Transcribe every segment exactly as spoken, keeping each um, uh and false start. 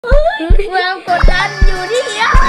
ความกดดันอยู่ที่เดียว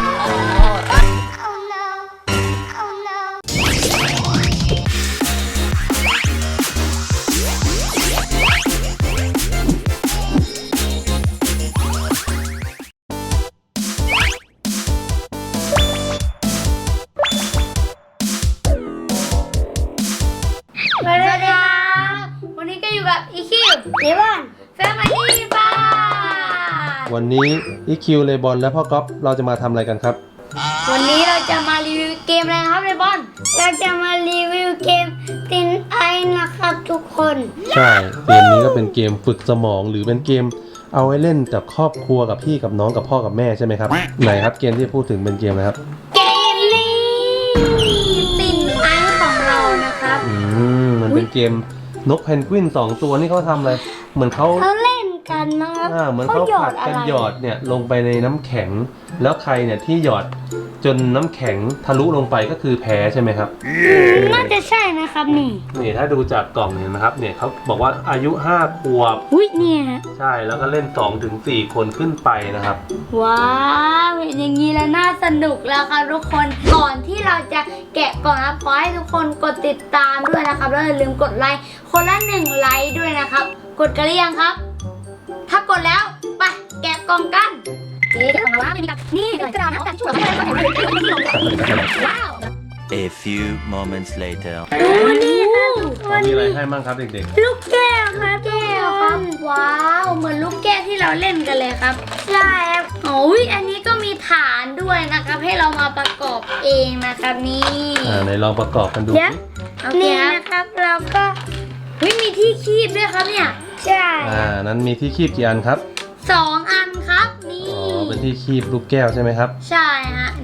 สวัสดีครับวันนี้ก็อยู่กับอีคิวเดวอนแฟมิลี่บ้านวันนี้อีคิวเลบอนและพ่อก๊อฟเราจะมาทำอะไรกันครับวันนี้เราจะมารีวิวเกมอะไรครับเลบอนเราจะมารีวิวเกมตินไอนะครับทุกคนใช่เกมนี้ก็เป็นเกมฝึกสมองหรือเป็นเกมเอาไว้เล่นกับครอบครัวกับพี่กับน้องกับพ่อกับแม่ใช่ไหมครับไหนครับเกมที่พูดถึงเป็นเกมอะไรครับเกมนี้ตินไอของเรานะครับอืมมันเป็นเกมนกเพนกวินสองตัวนี่เขาทำอะไรเหมือนเขาเขาเล่นกันนะครับอ่าเหมือนเขาผัดกันหยอดเนี่ยลงไปในน้ำแข็งแล้วใครเนี่ยที่หยอดจนน้ำแข็งทะลุลงไปก็คือแพ้ใช่ไหมครับน่าจะใช่นะครับนี่นี่ถ้าดูจากกล่องเห็นไหมครับเนี่ยเขาบอกว่าอายุห้าขวบอุ้ยเนี่ยใช่แล้วก็เล่น สองถึงสี่ คนขึ้นไปนะครับว้าวเห็นอย่างนี้แล้วน่าสนุกแล้วครับทุกคนก่อนที่เราจะแกะกล่องนะขอให้ทุกคนกดติดตามด้วยนะครับแล้วอย่าลืมกดไลค์คนละหนึ่งไลค์ด้วยนะครับกดกันหรือยังครับถ้ากดแล้วไปแกะกล่องกันนี่กล่องละมีกับนี่กระดาษนะแต่ช่วยว้าว A few moments later ดูนี่ครับมีอะไรให้บ้างครับเด็กๆลูกแก้วครับแก้วครับว้าวเหมือนลูกแก้วที่เราเล่นกันเลยครับใช่ครับโอ้ยอันนี้ก็มีฐานด้วยนะครับให้เรามาประกอบเองนะครับนี่อ่าไหนลองประกอบกันดูนี่นะครับเราก็วิมีที่คีบด้วยครับเนี่ยใช่อ่านั้นมีที่คีบกี่อันครับสองอันครับนี่อ๋อเป็นที่คีบลูกแก้วใช่ไหมครับใช่ฮะ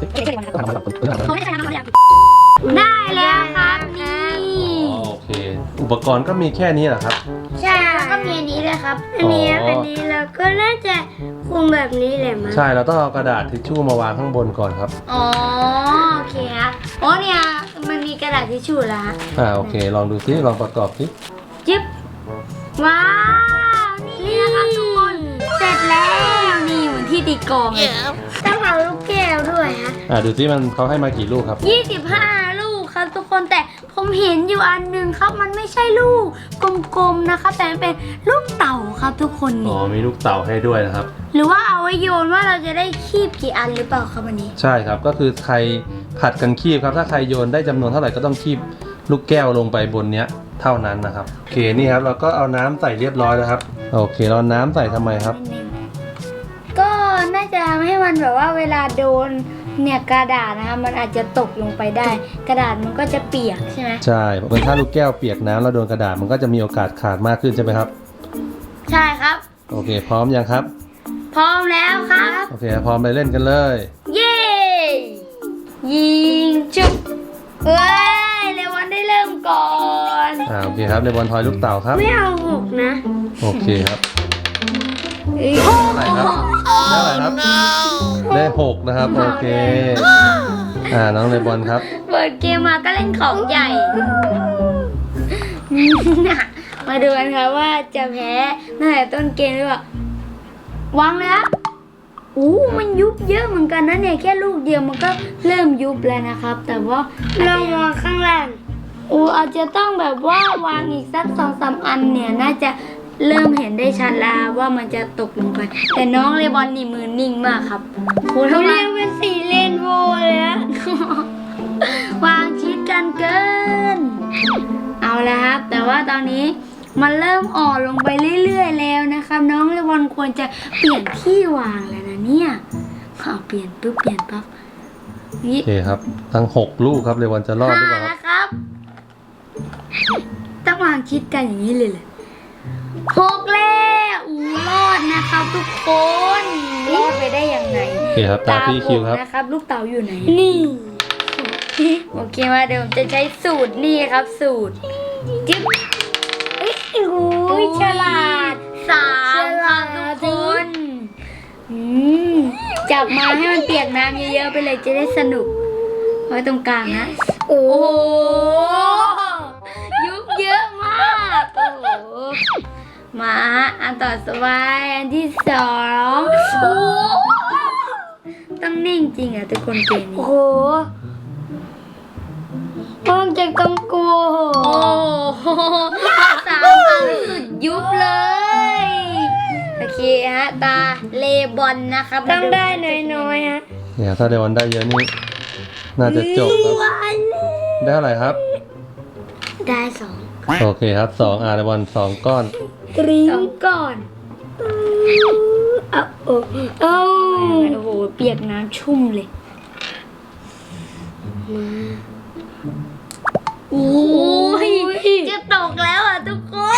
ได้แล้วครับนี่อ๋อโอเคอุปกรณ์ก็มีแค่นี้เหรอครับใช่แล้วก็มีอันนี้ด้วยครับอันนี้อันนี้เราก็น่าจะคุมแบบนี้แหละมั้งใช่เราต้องเอากระดาษทิชชู่มาวางข้างบนก่อนครับอ๋อโอเคครับอ๋อเนี่ยมันมีกระดาษทิชชู่แล้วฮะอ่าโอเคลองดูซิลองประกอบซิจิ๊บว้าวนี่นะครับทุกคนเสร็จแล้วนี่เหมือนที่ตีกลองเลยต้องเอาลูกแก้วด้วยฮะอ่าดูซิมันเขาให้มากี่ลูกครับยี่สิบห้าลูกครับทุกคนแต่ผมเห็นอยู่อันนึงครับมันไม่ใช่ลูกกลมๆนะครับแต่มันเป็นลูกเต่าครับทุกคนอ๋อมีลูกเต่าให้ด้วยนะครับหรือว่าเอาไว้โยนว่าเราจะได้คีบกี่อันหรือเปล่าครับวันนี้ใช่ครับก็คือใครผัดกันคีบครับถ้าใครโยนได้จำนวนเท่าไหร่ก็ต้องคีบลูกแก้วลงไปบนเนี้ยเท่านั้นนะครับโอเคนี่ครับเราก็เอาน้ำใส่เรียบร้อยแล้วครับโอเคเราน้ำใส่ทำไมครับก็น่าจะให้มันแบบว่าเวลาโดนเนี่ยกระดาษนะครับมันอาจจะตกลงไปได้กระดาษมันก็จะเปียกใช่ไหมใช่เพราะถ้าลูกแก้วเปียกน้ำแล้วโดนกระดาษมันก็จะมีโอกาสขาดมากขึ้นใช่ไหมครับใช่ครับโอเคพร้อมยังครับพร้อมแล้วครับโอเคพร้อมไปเล่นกันเลยเย้ยิงจุ๊บเอ้ยเลวันได้เริ่มก่อนอ่าโอเคครับเลวันทอยลูกเต่าครับไม่เอาหกนะโอเคครับได้ครับได้อะไรครับได้หกนะครับโอเคอ่าน้องเลบอนครับเปิดเกมมาก็เล่นของใหญ่มาดูกันครับว่าจะแพ้ตั้งแต่ต้นเกมหรือเปล่าวางแล้วอู้มันยุบเยอะเหมือนกันนะเนี่ยแค่ลูกเดียวมันก็เริ่มยุบแล้วนะครับแต่ว่าเราวางข้างล่างอู้อาจจะต้องแบบว่าวางอีกสักสองสามอันเนี่ยน่าจะเริ่มเห็นได้ชัดแล้วว่ามันจะตกลงไปแต่น้องเลบอนนี่มือนิ่งมากครับโหเขาเรียกเป็นสีเรนโบว์เลยอะวางชิดกันเกินเอาละครับแต่ว่าตอนนี้มันเริ่มอ่อนลงไปเรื่อยๆแล้วนะครับน้องเลบอนควรจะเปลี่ยนที่วางแล้วนะเนี่ยเอาเปลี่ยนปุ๊บเปลี่ยนปั๊บโอเคครับทั้งหกลูกครับเลบอนจะรอดหรือเปล่าครับต้องวางชิดกันอย่างนี้เลยเลยหกแล้วอู้รอดนะครับทุกคนรอดไปได้ยังไงโอเคครับตาพี่คิวครับนะครับลูกเต่าอยู่ไหนนี่โอเคมาเดี๋ยวผมจะใช้สูตรนี่ครับสูตรจิ๊บเอ้ยโอ้ยฉลาดสามครับทุกคนจับมาให้มันเปียกน้ำเยอะๆไปเลยจะได้สนุกไว้ตรงกลางนะโอ้โหยุบเยอะมากโอ้โหมาอันต่อไปอันที่สองโอ้ต้องนิ่งจริงอ่ะทุกคนเกมนี้โอ้โหห้องจะต้องกลัวโอ้โหสามอันสุดยุบเลยโอเคฮะตาเลบอนนะครับต้องได้น้อยๆฮะเนี่ยถ้าเดวันได้เยอะนี่น่าจะจบครับ ได้เท่าไหร่ครับได้สองโอเคครับสองอาร์เดวันสองก้อนกรี๊สองดก่อนเอาโอ้เอาโอ้โหเปียกน้ำชุ่มเลยโอ้ยจะตกแล้วอ่ะทุกคน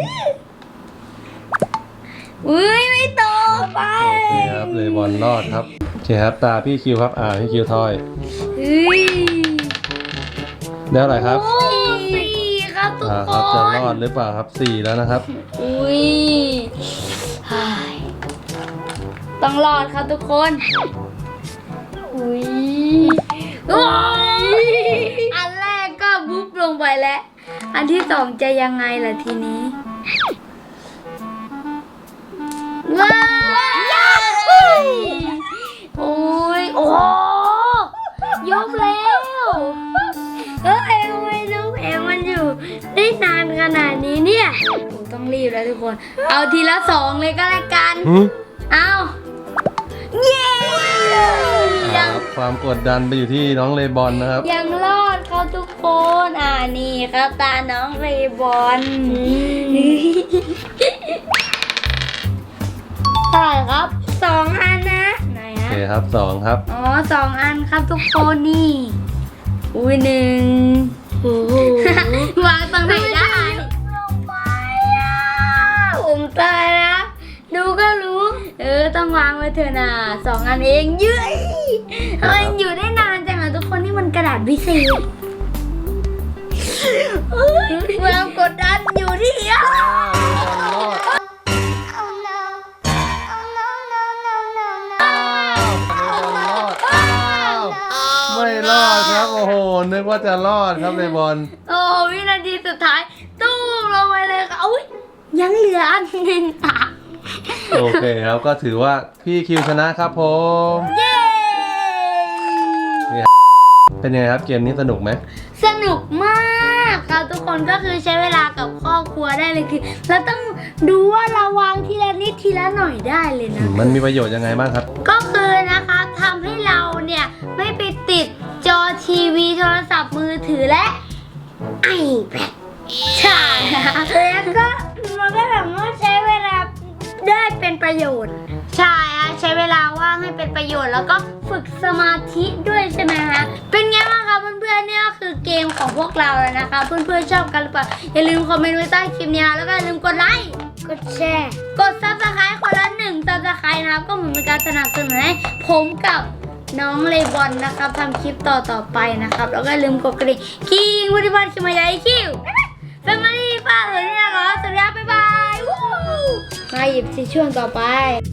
อุ้ยไม่ตกไปโอเคครับเลบอนรอดครับโอเคครับตาพี่คิวครับอ่าพี่คิวทอยเฮ้ยได้เท่าไหร่ครับโอ้สี่ครับทุกอ่าคครับจะนรอดหรือเปล่าครับสี่แล้วนะครับอุ้ยเฮ้ยต้องรอดครับทุกคนอุ้ยโอ้ยอันแรกก็บุ๊บลงไปแล้ว อันที่สองจะยังไงล่ะทีนี้ ว้าวโอ้ย โอ้ยกแล้วเออเอวไม่รู้เอวมันอยู่ได้นานขนาดนี้เนี่ยผมต้องรีบแล้วทุกคน เอาทีละสองเลยก็แล้วกันหืมเอาเย้อ่ายังครับความกดดันไปอยู่ที่น้องเลบอนนะครับยังรอดครับทุกคน อ่านี่ครับตาน้องเรย์บอลเท่าไหร่ครับสองอันนะไหนโอฮะเคครับสองครับอ๋อสองอันครับทุกคนนี่ อุ้ยหนึ่งโอ้โหวางตรงไหนได้ลงไปอ่ะผมตายแล้วดูก็รู้เออต้องวางไว้เถอะนะสองอันเองเย้ยทำไมอยู่ได้นานจังอะทุกคนนี่มันกระดาษพิเศษความกดดันอยู่ที่อ่ะไม่รอดครับโอ้โหนึกว่าจะรอดครับเลบอนโอ้วินาทีสุดท้ายตู้มลงไปเลยค่ะอุ้ยยังเหลืออันหนึ่งอ่ะโอเคครับก็ถือว่าพี่คิวชนะครับผมเย้เป็นยังไงครับเกมนี้สนุกไหมสนุกมากครับทุกคนก็คือใช้เวลากับครอบครัวได้เลยคือเราต้องดูว่าเราวางทีละนิดทีละหน่อยได้เลยอืนะมมันมีประโยชน์ยังไงบ้างครับก็คือนะคะทำให้เราเนี่ยไม่ไปติดจอทีวีโทรศัพท์มือถือและไอแพดใช่แล้วก็มันก็แบบว่าใช้เวลาได้เป็นประโยชน์ใช่ฮะใช้เวลาว่างให้เป็นประโยชน์แล้วก็ฝึกสมาธิด้วยใช่ไหมฮะเป็นไงบ้างคะเพื่อนๆเนี่ยก็คือเกมของพวกเราแล้วนะคะเพื่อนๆชอบกันหรือเปล่าอย่าลืมคอมเมนต์ไว้ใต้คลิปนี้แล้วก็อย่าลืมกดไลค์กดแชร์กดซับสไครต์คนละหนึ่งซับสไครต์นะครับก็เหมือนเป็นการสนับสนุนให้ผมกับน้องเลบอนนะครับทำคลิปต่อต่อๆไปนะครับแล้วก็อย่าลืมกดกระดิ่งคิงวุฒิพัฒน์คิมายาคิวแฟมิลี่ป้าเอ๋ยนี่นะคะสวัสดีครับบ๊ายบายวู้มาหยิบสิช่วงต่อไป